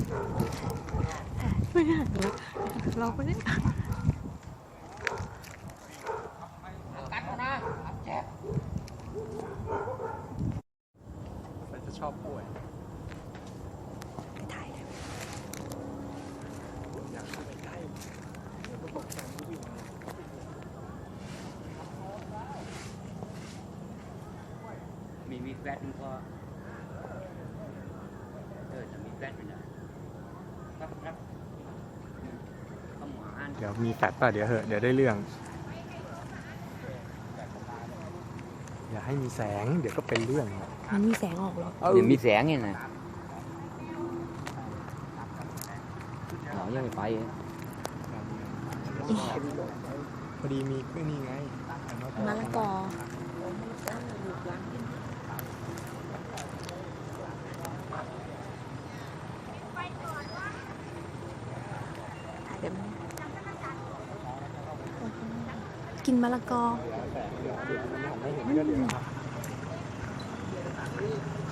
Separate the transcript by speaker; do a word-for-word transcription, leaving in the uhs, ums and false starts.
Speaker 1: ไม่ได้เราไม่ได้
Speaker 2: กัดนะแจ็บ
Speaker 3: มันจะชอบป่วย
Speaker 1: ไปถ่ายเลย
Speaker 3: อยากเข้าไปใกล้เดี๋ยวก็ตกใจไม่วิ่ง
Speaker 2: มีมีแฟตมันพอเออจะมีแฟตมันนะครับครับข้าวหวาน
Speaker 3: เดี๋ยวมีแฟดป่ะเดี๋ยวเหอะเดี๋ยวได้เรื่องอย่าให้มีแสงเดี๋ยวก็เป็นเรื่อง
Speaker 1: มันมีแสงออกหรอ
Speaker 2: เดี๋ยวมีแสงไงนะเรายังไม่ไป
Speaker 3: พอดีมีก็นี่ไง
Speaker 1: มะละกอเดี๋ยวกินมะละกอ
Speaker 3: ไม่เห็นก็เดี๋ยว